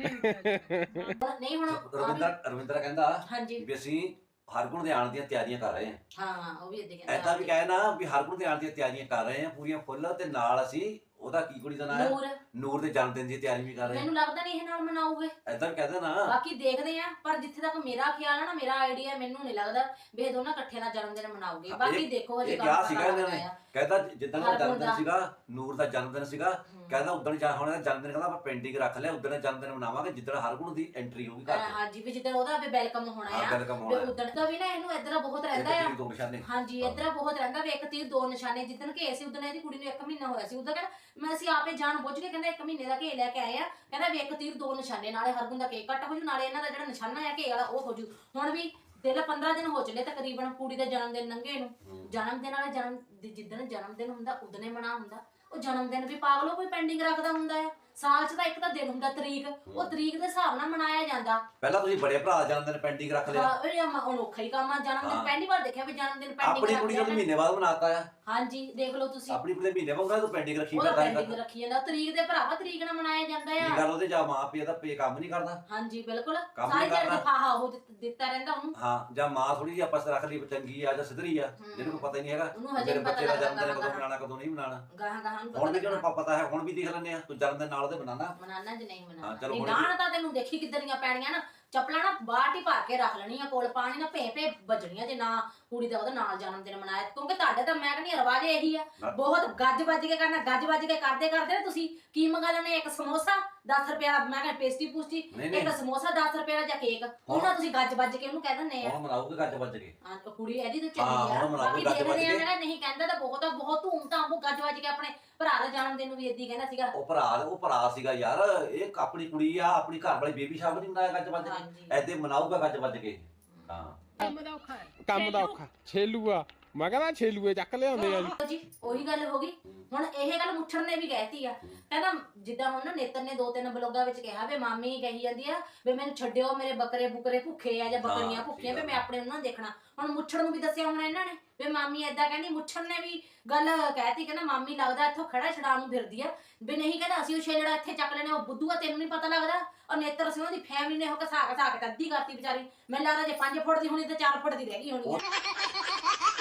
S1: ਨਹੀਂ ਹੁਣ
S2: ਰਵਿੰਦਰ ਰਵਿੰਦਰ ਕਹਿੰਦਾ
S1: ਹਾਂਜੀ
S2: ਵੀ ਅਸੀਂ ਹਰਗੁਣ ਦੇ ਆਉਣ ਦੀਆਂ ਤਿਆਰੀਆਂ ਕਰ ਰਹੇ ਹਾਂ।
S1: ਹਾਂ ਉਹ ਵੀ ਇਦਾਂ ਕਹਿੰਦਾ
S2: ਐਦਾਂ ਵੀ ਕਹੇ ਨਾ ਵੀ ਹਰਗੁਣ ਦੇ ਆਉਣ ਦੀਆਂ ਤਿਆਰੀਆਂ ਕਰ ਰਹੇ ਹਾਂ ਪੂਰੀਆਂ ਫੁੱਲ, ਤੇ ਨਾਲ ਅਸੀਂ ਉਹਦਾ ਕੀ ਕੁੜੀ ਦਾ ਨਾਮ ਹੈ
S1: ਨੂਰ
S2: ਨੂਰ ਦੇ ਜਨਮ ਦਿਨ ਦੀ ਤਿਆਰੀ ਵੀ ਕਰ ਰਹੇ ਹਾਂ।
S1: ਮੈਨੂੰ ਲੱਗਦਾ ਨਹੀਂ ਇਹ ਨਾਲ ਮਨਾਉਗੇ,
S2: ਐਦਾਂ ਵੀ ਕਹਦੇ ਨਾ।
S1: ਬਾਕੀ ਦੇਖਦੇ ਆ, ਪਰ ਜਿੱਥੇ ਤੱਕ ਮੇਰਾ ਖਿਆਲ ਹੈ ਨਾ, ਮੇਰਾ ਆਈਡੀਆ, ਮੈਨੂੰ ਨਹੀਂ ਲੱਗਦਾ ਵੀ ਇਹ ਦੋਨਾਂ ਇਕੱਠੇ ਦਾ ਜਨਮ ਦਿਨ ਮਨਾਉਗੇ। ਬਾਕੀ ਦੇਖੋ ਹਜੇ
S2: ਇਹ
S1: ਕੰਮ
S2: ਕਿਹਾ
S1: ਪਤਾ
S2: ਸੀਗਾ ਇਹਨਾਂ ਨੇ,
S1: ਲੱਗਦਾ ਆ।
S2: ਕਹਿੰਦਾ ਜਿੱਦਣ ਦਾ
S1: ਹਰਗੁਣ
S2: ਜਨਮ ਦਿਨ
S1: ਦਾ।
S2: ਸੀਗਾ ਨੂਰ ਦਾ ਜਨਮ ਦਿਨ ਸੀਗਾ, ਕਹਿੰਦਾ ਉਦੋਂ ਜਾ ਹੁਣ ਇਹਦਾ ਜਨਮ ਦਿਨ ਕਹਿੰਦਾ ਆਪਾਂ ਪੈਂਡਿੰਗ ਰੱਖ ਲਿਆ, ਉਦੋਂ ਜਨਮ ਦਿਨ ਮਨਾਵਾਂਗੇ ਜਿੱਦਣ ਹਰਗੁਣ ਦੀ ਐਂਟਰੀ ਹੋਊਗੀ ਘਰ 'ਚ।
S1: ਹਾਂਜੀ ਵੀ ਜਿੱਦਣ ਉਹਦਾ ਵੀ ਵੈਲਕਮ ਹੋਣਾ
S2: ਹਾਂ,
S1: ਆ,
S2: welcome
S1: ਵੀ
S2: ਹੋਣਾ।
S1: ਉਦਣ ਤਾਂ ਵੀ ਨਾ ਇਹਨੂੰ ਇੱਧਰ ਬਹੁਤ ਰਹਿੰਦਾ
S2: ਇੱਕ
S1: ਆ।
S2: ਤੀਰ ਦੋ ਨਿਸ਼ਾਨੇ।
S1: ਹਾਂਜੀ ਇੱਧਰ ਬਹੁਤ ਰਹਿੰਦਾ ਵੀ ਇੱਕ ਤੀਰ ਦੋ ਨਿਸ਼ਾਨੇ। ਜਿੱਦਣ ਘੇ ਸੀ ਉਦਣ ਇਹਦੀ ਕੁੜੀ ਨੂੰ ਇੱਕ ਮਹੀਨਾ ਹੋਇਆ ਸੀ, ਉਦੋਂ ਕਹਿੰਦਾ ਮੈਂ ਅਸੀਂ ਆਪੇ ਜਾਣ ਬੁੱਝ ਕੇ ਕਹਿੰਦਾ ਇੱਕ ਮਹੀਨੇ ਦਾ ਘੇ ਲੈ ਕੇ ਆਏ ਆ, ਕਹਿੰਦਾ ਵੀ ਇੱਕ ਤੀਰ ਦੋ ਨਿਸ਼ਾਨੇ, ਨਾਲੇ ਹਰਗੁਣ ਦਾ ਕੇਕ ਕੱਟ ਹੋ ਜੂ, ਨਾਲੇ ਇਹਨਾਂ ਦਾ ਜਿਹੜਾ ਨਿਸ਼ਾਨਾ ਆ ਘੇ ਵਾਲਾ ਉਹ ਹੋ ਜੂ। ਹੁਣ ਵੀ ਦਿਲ ਪੰਦਰਾਂ ਦਿਨ ਹੋ ਚੱਲੇ ਤਕਰੀਬਨ ਕੁੜੀ ਦਾ ਜਨਮ ਦਿਨ ਲੰਘੇ ਨੂੰ। ਜਨਮ ਦਿਨ ਵਾਲੇ ਜਨਮ ਜਿੱਦਣ ਜਨਮ ਦਿਨ ਹੁੰਦਾ ਉਦਨੇ ਮਨਾ ਹੁੰਦਾ। ਉਹ ਜਨਮ ਦਿਨ ਵੀ ਪਾਗਲੋ ਕੋਈ ਪੈਂਡਿੰਗ ਰੱਖਦਾ ਹੁੰਦਾ ਆ? ਸਾਲ 'ਚ ਤਾਂ ਇੱਕ ਤਾਂ ਦਿਨ ਹੁੰਦਾ ਤਰੀਕ, ਉਹ ਤਰੀਕ ਦੇ ਹਿਸਾਬ ਨਾਲ ਮਨਾਇਆ ਜਾਂਦਾ।
S2: ਪਹਿਲਾਂ ਤੁਸੀਂ ਬੜੇ ਭਰਾ ਦਾ ਜਨਮ ਦਿਨ ਪੈਂਡਿੰਗ ਰੱਖ ਲਿਆ।
S1: ਹਾਂ ਇਹ ਹੁਣ ਔਖਾ ਹੀ ਕੰਮ ਆ। ਜਨਮ ਦਿਨ ਪਹਿਲੀ ਵਾਰ ਦੇਖਿਆ ਵੀ ਜਨਮ ਦਿਨ ਪੈਂਡਿੰਗ
S2: ਆਪਣੀ ਕੁੜੀ ਨੂੰ ਮਹੀਨੇ ਬਾਅਦ ਮਨਾਤਾ ਆ।
S1: ਹਾਂਜੀ ਦੇਖ ਲਓ ਤੁਸੀਂ,
S2: ਆਪਣੀ ਕੁੜੀ ਦੇ ਮਹੀਨੇ ਬਾਅਦ ਤੂੰ ਪੈਂਡਿੰਗ ਰੱਖੀ
S1: ਉਹਦਾ
S2: ਫਿਰਦਾ
S1: ਪੈਂਡਿੰਗ ਰੱਖੀ ਜਾਂਦਾ। ਤਰੀਕ ਦੇ ਭਰਾਵਾ ਤਰੀਕ ਨਾਲ ਮਨਾਇਆ ਜਾਂਦਾ
S2: ਕੀ
S1: ਆ।
S2: ਗੱਲ ਉਹਦੇ ਜਾਂ ਮਾਂ ਪਿਓ ਦਾ ਪੇ ਕੰਮ ਨਹੀਂ ਕਰਦਾ।
S1: ਹਾਂਜੀ ਬਿਲਕੁਲ,
S2: ਕੰਮ
S1: ਸਾਰੀ
S2: ਨੀ
S1: ਦਿਹਾੜੀ
S2: ਕਰਨਾ।
S1: ਫਾਹਾ ਉਹ ਦਿੱਤ- ਦਿੱਤਾ ਰਹਿੰਦਾ ਉਹਨੂੰ।
S2: ਹਾਂ, ਜਾਂ ਮਾਂ ਥੋੜੀ ਜਿਹੀ ਆਪਸ ਰੱਖ ਲਈ ਚੰਗੀ ਆ ਜਾਂ ਸਿੱਧਰੀ ਆ, ਜਿਹਨੂੰ ਕੋਈ ਪਤਾ ਹੀ ਨਹੀਂ ਹੈਗਾ
S1: ਉਹਨੂੰ ਹਜੇ
S2: ਮੇਰੇ
S1: ਨੀ ਪਤਾ
S2: ਬੱਚੇ ਦਾ
S1: ਲੱਗਦਾ
S2: ਜਨਮ ਦਿਨ ਕਦੋਂ
S1: ਕਦੋਂ
S2: ਮਨਾਉਣਾ ਕਦੋਂ ਨਹੀਂ ਮਨਾਉਣਾ।
S1: ਗਾਹਾਂ ਗਾਹਾਂ ਨੂੰ
S2: ਹੁਣ ਵੀ
S1: ਪਤਾ
S2: ਜਿਹਨੂੰ ਪਤਾ ਹੈ ਹੁਣ ਵੀ ਦੇਖ ਲੈਂਦੇ ਆ, ਤੂੰ ਜਨਮ ਦਿਨ ਨਾਲ ਉਹਦੇ ਬਣਾਣਾ
S1: ਮਨਾਨਾ ਜ ਨਹੀਂ
S2: ਹਾਂ,
S1: ਮਨਾਨਾ।
S2: ਚਲੋ
S1: ਨਹੀਂ
S2: ਹੁਣ
S1: ਗਾਣ ਤਾਂ ਤੈਨੂੰ ਦੇਖੀ ਕਿੱਦਰੀਆਂ ਪੈਣੀਆਂ ਨਾ, ਚੱਪਲਾਂ ਨਾ ਬਾਟੀ ਭਰ ਕੇ ਰੱਖ ਲੈਣੀਆਂ ਕੋਲ, ਪਾਣੀ ਨਾ ਭੇ ਭੇ ਵੱਜਣੀਆਂ ਜੇ ਨਾ ਕੁੜੀ ਦਾ ਉਹਦੇ ਨਾਲ ਜਨਮ ਦਿਨ ਮਨਾਇਆ। ਕਿਉਂਕਿ ਤੁਹਾਡੇ ਤਾਂ ਮੈਂ ਕਹਿੰਦੀ ਰਿਵਾਜ ਇਹੀ ਆ, ਬਹੁਤ ਗੱਜ ਵੱਜ ਕੇ ਕਰਨਾ। ਗੱਜ ਵੱਜ ਕੇ ਕਰਦੇ ਕਰਦੇ ਨਾ ਤੁਸੀਂ ਕੀ ਮੰਗਾ ਲੈਣੇ, ਇੱਕ ਸਮੋਸਾ ਦਸ ਰੁਪਏ ਦਾ, ਮੈਂ ਕਹਿੰਦਾ ਪੇਸਟੀ ਪੂਸਟੀ, ਇੱਕ ਸਮੋਸਾ ਦਸ ਰੁਪਏ ਦਾ ਜਾਂ ਕੇਕ, ਉਹਨਾਂ ਤੁਸੀਂ ਗੱਜ ਵੱਜ ਕੇ ਉਹਨੂੰ ਕਹਿ ਦਿੰਦੇ ਆ।
S2: ਹੁਣ ਮਨਾਉਗੇ ਗੱਜ ਵੱਜ ਕੇ।
S1: ਹਾਂ ਕੁੜੀ ਇਹਦੀ ਤਾਂ
S2: ਹਾਂ,
S1: ਚੱਲੀ ਆ।
S2: ਹੁਣ ਮਨਾਓ
S1: ਬਾਕੀ
S2: ਗੱਜ ਵੱਜ
S1: ਦੇਖਦੇ ਆ,
S2: ਕੇ।
S1: ਮੈਂ ਨਹੀਂ ਕਹਿੰਦਾ ਤਾਂ ਬਹੁਤ ਬਹੁਤ ਧੂਮ ਧਾਮ ਉਹ ਗੱਜ ਵੱਜ ਕੇ ਆਪਣੇ ਭਰਾ ਦਾ ਜਨਮ ਦਿਨ ਨੂੰ ਵੀ ਏਦੀ ਕਹਿੰਦਾ ਸੀਗਾ।
S2: ਉਹ ਭਰਾ ਉਹ ਭਰਾ ਸੀਗਾ ਯਾਰ, ਇਹ ਆਪਣੀ ਕੁੜੀ ਆ, ਆਪਣੀ ਘਰ ਵਾਲੀ ਬੇਬੀ ਸ਼ਾਮ ਨਹੀਂ ਮਨਾਇਆ ਗੱਜ ਵੱਜ
S1: ਹਾਂਜੀ।
S2: ਕੇ, ਐਦੇ ਮਨਾਊਗਾ ਗੱਜ ਵੱਜ ਕੇ। ਹਾਂ
S4: ਕੰਮ ਦਾ ਔਖਾ ਹੈ।
S3: ਕੰਮ ਦਾ ਔਖਾ ਛੇਲੂਆ, ਮੈਂ ਕਹਿੰਦਾ ਛੇਲੂਏ ਚੱਕ ਲਿਆਉਂਦੇ ਆ ਜੀ।
S1: ਜੀ ਉਹੀ ਗੱਲ ਹੋ ਗਈ। ਹੁਣ ਇਹ ਗੱਲ ਮੁੱਠਣ ਨੇ ਵੀ ਕਹਿਤੀ ਆ, ਕਹਿੰਦਾ ਜਿੱਦਾਂ ਹੁਣ ਨਾ ਨੇਤਰ ਨੇ ਦੋ ਤਿੰਨ ਬਲੋਗਾਂ ਵਿੱਚ ਕਿਹਾ ਵੀ ਮਾਮੀ ਕਹੀ ਜਾਂਦੀ ਆ ਵੀ ਮੈਨੂੰ ਛੱਡਿਓ, ਮੇਰੇ ਬੱਕਰੇ ਬੁਕਰੇ ਭੁੱਖੇ ਆ ਜਾਂ ਬੱਕਰੀਆਂ
S2: ਹਾਂ,
S1: ਭੁੱਖੀਆਂ, ਵੀ
S2: ਸਹੀ
S1: ਮੈਂ ਆਪਣੇ ਉਹਨਾਂ ਨੂੰ ਦੇਖਣਾ। ਹੁਣ ਮੁੱਠਣ ਨੂੰ ਵੀ ਦੱਸਿਆ ਹੁਣ ਇਹਨਾਂ ਨੇ ਵੀ ਮਾਮੀ ਏਦਾਂ ਕਹਿੰਦੀ। ਮੁੱਠਣ ਨੇ ਵੀ ਗੱਲ ਕਹਿਤੀ, ਕਹਿੰਦਾ ਮਾਮੀ ਲੱਗਦਾ ਇੱਥੋਂ ਖੜਾ ਛਡਾਉਣ ਨੂੰ ਫਿਰਦੀ ਆ, ਵੀ ਨਹੀਂ ਕਹਿੰਦਾ ਅਸੀਂ ਉਹ ਛੇਲੜਾ ਇੱਥੇ ਚੱਕ ਲੈਣੇ, ਉਹ ਬੁੱਧੂ ਆ ਤੈਨੂੰ ਨਹੀਂ ਪਤਾ ਲੱਗਦਾ। ਔਰ ਨੇਤਰ ਅਸੀਂ ਉਹਨਾਂ ਦੀ ਫੈਮਿਲੀ ਨੇ ਉਹ ਘਸਾ ਘਸਾ ਕੇ ਅੱਧੀ ਕਰਤੀ ਵਿਚਾਰੀ। ਮੈਨੂੰ ਲੱਗਦਾ ਜੇ ਪੰਜ ਫੁੱਟ ਦੀ ਹੋਣੀ ਤੇ ਚਾਰ ਫੁੱਟ ਦੀ ਰਹਿ ਗਈ ਹੋਣੀ ਆ।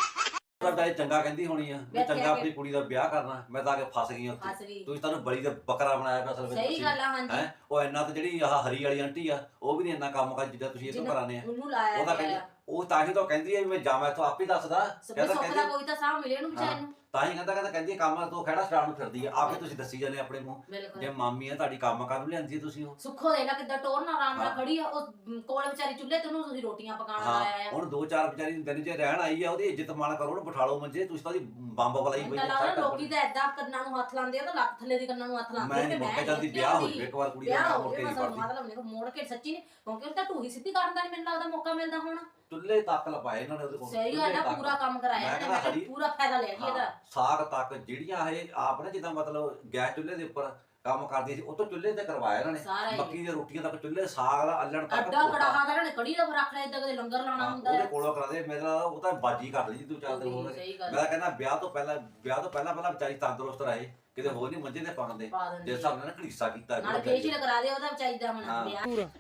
S2: ਤੁਹਾਡਾ ਇਹ ਚੰਗਾ ਕਹਿੰਦੀ ਹੋਣੀ ਆ ਵੀ
S1: ਬੈਠਿਆ
S2: ਚੰਗਾ
S1: ਕੇ।
S2: ਆਪਣੀ ਕੁੜੀ ਦਾ ਵਿਆਹ ਕਰਨਾ, ਮੈਂ ਤਾਂ ਆ ਕੇ ਫਸ ਗਈ ਉੱਥੇ।
S1: ਫਸ ਗਈ।
S2: ਤੁਸੀਂ ਤੁਹਾਨੂੰ ਬੜੀ ਦਾ ਬੱਕਰਾ ਬਣਾਇਆ ਪਿਆ ਅਸਲ ਵਿੱਚ।
S1: ਸਹੀ ਗੱਲ ਆ। ਹਾਂਜੀ
S2: ਹੈ ਉਹ ਇੰਨਾ ਤੇ ਜਿਹੜੀ ਆਹ ਹਰੀ ਵਾਲੀ ਆਂਟੀ ਆ ਉਹ ਵੀ ਨਹੀਂ ਇੰਨਾ ਕੰਮ ਕਰ ਜਿੱਦਾਂ ਤੁਸੀਂ ਇਹ ਤੋਂ ਕਰਾਨੇ ਆ।
S1: ਉਹਨੂੰ ਲਾਇਆ
S2: ਉਹਦਾ ਕਹਿੰਦੀ ਉਹ ਤਾਂ ਹੀ ਤਾਂ ਕਹਿੰਦੀ ਆ ਵੀ ਮੈਂ ਜਾਵਾਂ ਇੱਥੋਂ ਆਪੇ ਦੱਸਦਾ। ਕਹਿੰਦਾ
S1: ਸੁੱਖ ਦਾ
S2: ਕਹਿੰਦੀ
S1: ਕੋਈ ਤਾਂ ਸਾਹ ਮਿਲੇ ਉਹਨੂੰ ਵਿਚਾਰੇ ਨੂੰ।
S2: ਤਾਂ ਹੀ ਕਹਿੰਦਾ ਕਹਿੰਦਾ ਕਹਿੰਦੀ ਕੰਮ ਤੋਂ ਖੜਾ ਛਡਾਉਣ ਨੂੰ ਫਿਰਦੀ ਆ। ਆਪੇ ਤੁਸੀਂ ਦੱਸੀ ਜਾਂਦੇ ਆਪਣੇ ਮੂੰਹ,
S1: ਬਿਲਕੁਲ
S2: ਜੇ ਮਾਮੀ ਆ ਤੁਹਾਡੀ ਕੰਮ ਕਰਨ ਨੂੰ ਲਿਆਂਦੀ ਆ ਤੁਸੀਂ ਉਹ।
S1: ਸੁੱਖੋ ਦੇ ਨਾਲ ਕਿੱਦਾਂ ਟੋਰ ਨਾਲ ਆਰਾਮ ਨਾਲ
S2: ਹਾਂ।
S1: ਖੜੀ ਆ, ਉਹ ਕੋਲ ਵਿਚਾਰੀ ਚੁੱਲ੍ਹੇ ਤੇ ਉਹਨੂੰ ਤੁਸੀਂ ਰੋਟੀਆਂ ਪਕਾਉਣ
S2: ਹਾਂ
S1: ਲਾਇਆ ਆ।
S2: ਹੁਣ ਦੋ ਚਾਰ ਵਿਚਾਰੀ ਦਿਨ ਜੇ ਰਹਿਣ ਆਈ ਆ, ਉਹਦੀ ਇੱਜ਼ਤ ਮਾਣ ਕਰੋ, ਉਹਨੂੰ ਬਿਠਾ ਲਓ ਮੰਜੇ, ਤੁਸੀਂ ਤਾਂ ਉਹਦੀ ਬੰਬ ਬਲਾਈ
S1: ਮੈਨੂੰ ਤਾਂ ਲੱਗਦਾ ਲੋਕੀ ਤਾਂ ਏਦਾਂ ਕੰਨਾਂ ਨੂੰ ਹੱਥ ਲਾਉਂਦੇ ਆ, ਤਾਂ ਲੱਕ ਥੱਲੇ ਦੀ ਕੰਨਾਂ ਨੂੰ ਹੱਥ ਲਾਉਂਦੇ
S2: ਮੈਂ
S1: ਆ
S2: ਨਹੀਂ
S1: ਕਿ
S2: ਮੁੜ ਕੇ ਜਾਂਦੀ,
S1: ਇੱਥੇ
S2: ਵਿਆਹ ਹੋ
S1: ਆਉਂਦੀ।
S2: ਜਾਵੇ ਇੱਕ ਵਾਰ ਕੁੜੀ ਦਾ,
S1: ਵਿਆਹ
S2: ਮੈਂ
S1: ਹੋ
S2: ਮੁੜ ਕੇ
S1: ਜਾਵੇ,
S2: ਨਹੀਂ
S1: ਮਤਲਬ
S2: ਕਰਦੀ।
S1: ਮਤਲਬ ਮੇਰੇ ਕੋਲ ਮੋੜ ਕੇ ਸੱਚੀ ਨਹੀਂ, ਕਿਉਂਕਿ ਉਹ ਤਾਂ ਢੂਹੀ ਸਿੱਧੀ ਕਰਨ ਦਾ ਨਹੀਂ ਮੈਨੂੰ ਲੱਗਦਾ ਮੌਕਾ ਮਿਲਦਾ ਹੁਣ।
S2: ਚੁੱਲ੍ਹੇ ਤੱਕ ਲਪਾਏ ਇਹਨਾਂ ਨੇ ਉਹਦੇ ਕੋਲ।
S1: ਸਹੀ ਗੱਲ ਆ, ਪੂਰਾ ਕੰਮ ਕਰਾਇਆ
S2: ਮੈਂ
S1: ਇਹਨੇ,
S2: ਕਹਿੰਦਾ
S1: ਮੈਂ ਕਿਹਾ
S2: ਹਰੀ-
S1: ਪੂਰਾ ਫਾਇਦਾ ਲਿਆ ਜੀ ਇਹਦਾ।
S2: ਹਾਂ, ਸਾਗ ਤੱਕ ਜਿਹੜੀਆਂ ਇਹ ਆਪ ਨੇ ਜਿੱਦਾਂ ਮਤਲਬ ਗੈਸ ਚੁੱਲ੍ਹੇ ਦੇ ਉੱਪਰ ਕੰਮ ਕਰਦੀ ਸੀ, ਉਹ ਤੋਂ ਚੁੱਲ੍ਹੇ ਤੇ ਕਰਵਾਇਆ ਇਹਨਾਂ
S1: ਸਾਰਾ
S2: ਨੇ।
S1: ਹੀ।
S2: ਮੱਕੀ ਦੀਆਂ ਰੋਟੀਆਂ ਤੱਕ ਚੁੱਲ੍ਹੇ, ਸਾਗ ਦਾ ਅੱਲਣ ਤੱਕ
S1: ਅੱਡਾ
S2: ਧੋਤਾ।
S1: ਕੜਾਹਾ ਦਾ ਇਹਨੇ ਕੜੀ ਦਾ ਰੱਖ ਲਿਆ, ਇਦਾਂ ਕਦੇ ਲੰਗਰ ਲਾਉਣਾ
S2: ਹਾਂ,
S1: ਹੁੰਦਾ
S2: ਉਹਦੇ
S1: ਹੈ।
S2: ਕੋਲੋਂ ਕਰਾਦੇ ਮੇਰਾ ਉਹ ਤਾਂ ਬਾਜੀ ਕਰ ਲਈ ਤੂੰ ਚਾਰ ਦਿਨ ਹੋਰ।
S1: ਸਹੀ ਗੱਲ
S2: ਮੈਂ ਕਹਿੰਦਾ ਵਿਆਹ ਤੋਂ ਪਹਿਲਾਂ ਵਿਆਹ ਤੋਂ ਪਹਿਲਾਂ ਪਹਿਲਾਂ ਵਿਚਾਰੀ ਤੰਦਰੁਸਤ ਰਹੇ, ਕਿਤੇ ਹੋਰ ਨਹੀਂ ਮੰਜੇ ਤੇ ਪਾਉਂਦੇ
S1: ਪਾ ਦਿੰਦੀ
S2: ਜਿਸ ਹਿਸਾਬ ਨਾਲ ਘੜੀਸਾ ਕੀਤਾ
S1: ਨਾਲ ਫੇਸ਼ੀਅਲ ਕਰਾ ਦੇ ਉਹਦਾ ਚਾਹੀਦਾ ਹੁਣ
S2: ਹਾਂ।
S1: ਵਿਆਹ।
S3: ਪੂਰਾ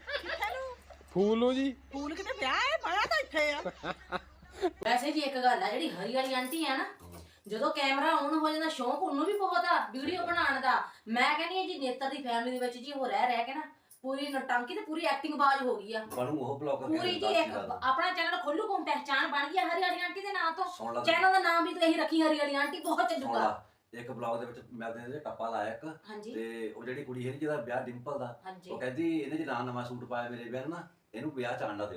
S3: ਫੂਲੋ ਜੀ
S5: ਫੂਲ ਕਿਤੇ ਵਿਆਹ ਹੈ, ਮਾਇਆ ਤਾਂ ਇੱਥੇ ਆ।
S1: ਵੈਸੇ ਜੀ ਇੱਕ ਗੱਲ ਆ, ਜਿਹੜੀ ਹਰੀ ਵਾਲੀ ਆਂਟੀ ਆ ਨਾ, ਜਦੋਂ ਕੈਮਰਾ ਆਨ ਹੋ ਜਾਂਦਾ ਸ਼ੌਂਕ ਉਹਨੂੰ ਵੀ ਬਹੁਤ ਆ ਵੀਡੀਓ ਬਣਾਉਣ ਦਾ। ਮੈਂ ਕਹਿੰਦੀ ਆ ਜੀ ਨੇਤਰ ਦੀ ਫੈਮਿਲੀ ਦੇ ਵਿੱਚ ਜੀ ਉਹ ਰਹਿ ਰਹਿ ਕੇ ਨਾ ਪੂਰੀ ਨਟੰਕੀ ਤੇ ਪੂਰੀ ਐਕਟਿੰਗ ਬਾਜ਼ ਹੋ ਗਈ ਆ
S2: ਬਣੂ ਉਹ ਬਲੌਗਰ
S1: ਪੂਰੀ ਜੀ। ਇੱਕ ਆਪਣਾ ਚੈਨਲ ਖੋਲੂ ਕੋਮ ਪਹਿਚਾਨ ਬਣ ਗਈ ਆ ਹਰੀ ਵਾਲੀ ਆਂਟੀ ਦੇ ਨਾਂ ਤੋਂ।
S2: ਸੁਣ ਲਾ
S1: ਚੈਨਲ ਦਾ ਨਾਮ ਵੀ ਤੂੰ ਇਹੀ ਰੱਖੀ, ਹਰੀ ਵਾਲੀ ਆਂਟੀ, ਬਹੁਤ
S2: ਸੁਣ
S1: ਚੱਲੂਗਾ।
S2: ਲਾ, ਇੱਕ ਬਲੌਗ ਦੇ ਵਿੱਚ ਮੈਂ ਤੇ ਟੱਪਾ ਲਾਇਆ ਇੱਕ,
S1: ਹਾਂਜੀ
S2: ਤੇ ਉਹ ਜਿਹੜੀ ਕੁੜੀ ਹੈ ਜਿਹਦਾ ਵਿਆਹ ਡਿੰਪਲ ਦਾ,
S1: ਹਾਂਜੀ
S2: ਉਹ ਕਹਿੰਦੀ ਇਹਨੇ ਜੇ ਨਾ ਨਵਾਂ ਸੂਟ ਪਾਇਆ ਮੇਰੇ ਵਿਆਹ ਨੂੰ ਨਾ, ਇਹਨੂੰ ਵਿਆਹ ਚ ਆਂਡਾ ਦਿਓ।